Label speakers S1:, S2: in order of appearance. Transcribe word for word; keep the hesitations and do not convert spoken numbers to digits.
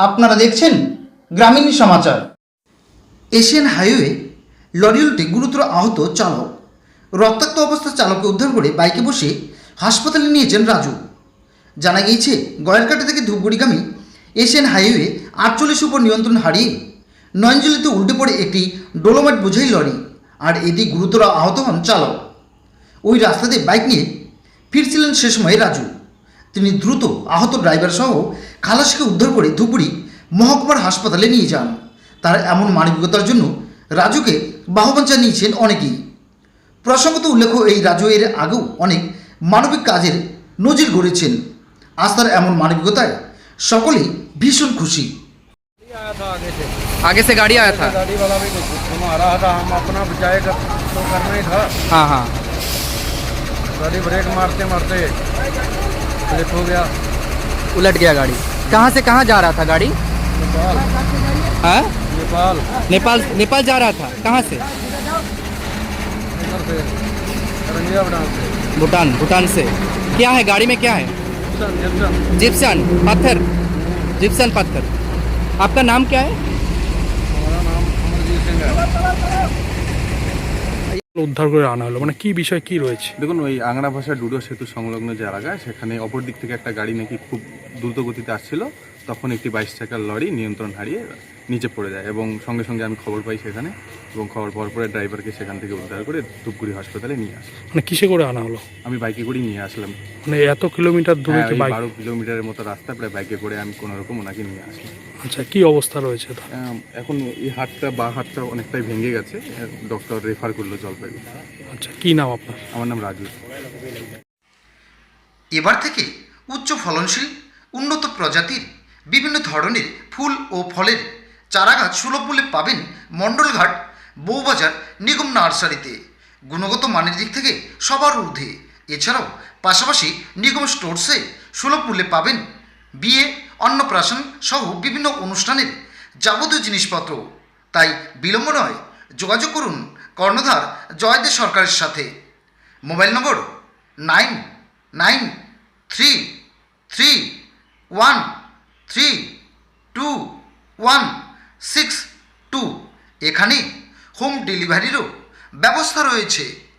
S1: আপনারা দেখছেন গ্রামীণ সমাচার। এশিয়ান হাইওয়ে লরি উল্টে গুরুতর আহত চালক। রক্তাক্ত অবস্থায় চালককে উদ্ধার করে বাইকে বসে হাসপাতালে নিয়েছেন রাজু। জানা গিয়েছে, গয়েরকাটা থেকে ধূপগুড়িগামী এশিয়ান হাইওয়ে আটচল্লিশ উপর নিয়ন্ত্রণ হারিয়ে নয়নজলিতে উল্টে পড়ে একটি ডোলোমাইট বোঝাই লরি, আর এতে গুরুতর আহত হন চালক। ওই রাস্তাতে বাইক নিয়ে ফিরছিলেন সে সময় রাজু। তিনি দ্রুত আহত ড্রাইভার সহ খালাসিকে উদ্ধার করে ধুপগুড়ি মহকুমার হাসপাতালে নিয়ে যান। তার এমন মানবিকতার জন্য রাজুকে বাহবান জানিয়েছেন অনেকেই। প্রসঙ্গত উল্লেখ্য, এই রাজু এর আগেও অনেক মানবিক কাজের নজির গড়েছেন। আজ তার এমন মানবিকতায় সকলেই ভীষণ খুশি।
S2: आगे से गाड़ी आया था।
S3: गाड़ी वाला भी कुछ घुमा रहा था, हम अपना बचाएगा तो करना ही था।
S2: हाँ हाँ
S3: गाड़ी ब्रेक मारते मारते स्लिप हो गया,
S2: उलट गया गाड़ी। कहाँ से कहाँ जा रहा था गाड़ी?
S3: नेपाल
S2: हाँ
S3: नेपाल
S2: नेपाल नेपाल जा रहा था। कहाँ से?
S3: इधर से रंगिया बटान से
S2: भूटान भूटान से। क्या है गाड़ी में, क्या है?
S3: जिप्सन जिप्सन
S2: जिप्सन पत्थर, जिप्सन पत्थर। आपका नाम क्या है?
S3: हमारा नाम अमरजीत सिंह है।
S4: উদ্ধার করে আনা হলো, মানে কি বিষয় কি রয়েছে?
S5: দেখুন, ওই আংরা ভাষা ডুডো সেতু সংলগ্ন যে এলাকা, সেখানে অপর দিক থেকে একটা গাড়ি নাকি খুব দ্রুত গতিতে আসছিল। তখন একটি বাইশ চাকার লরি নিয়ন্ত্রণ হারিয়ে নিচে পড়ে যায় এবং সঙ্গে সঙ্গে আমি খবর পাই সেখানে, এবং খবর পাওয়ার পরে ড্রাইভারকে সেখান থেকে উদ্ধার করে ধূপগুড়ি হাসপাতালে নিয়ে আসি।
S4: মানে কিসে করে আনা হলো?
S5: আমি বাইকে করেই নিয়ে আসলাম।
S4: মানে এত কিলোমিটার দূরে
S5: হ্যাঁ,
S4: কি
S5: ওই
S4: বাইক?
S5: বারো কিলোমিটারের মতো রাস্তা প্রায় বাইকে করে আমি কোনো রকম ওনাকে নিয়ে আসলাম।
S4: আচ্ছা, কি অবস্থা রয়েছে তার?
S5: আম, এখন এই হাতটা বা হাতটা অনেকটাই ভেঙে গেছে, ডক্টর রেফার করলো জলপাইগুড়ি।
S4: আচ্ছা, কি নাম আপনার?
S5: আমার নাম রাজু।
S1: এবার থেকে উচ্চ ফলনশীল উন্নত প্রজাতির বিভিন্ন ধরনের ফুল ও ফলের চারাগাছ সুলভ মূল্যে পাবেন মণ্ডলঘাট বউবাজার নিগম নার্সারিতে। গুণগত মানের দিক থেকে সবার ঊর্ধ্বে। এছাড়াও পাশাপাশি নিগম স্টোরসে সুলভ মূল্যে পাবেন বিয়ে, অন্নপ্রাশন সহ বিভিন্ন অনুষ্ঠানের যাবতীয় জিনিসপত্র। তাই বিলম্ব নয়, যোগাযোগ করুন কর্ণধার জয়দেব সরকারের সাথে। Mobile number nine nine three three one three two one six two. এখানে হোম ডেলিভারিরও ব্যবস্থা রয়েছে।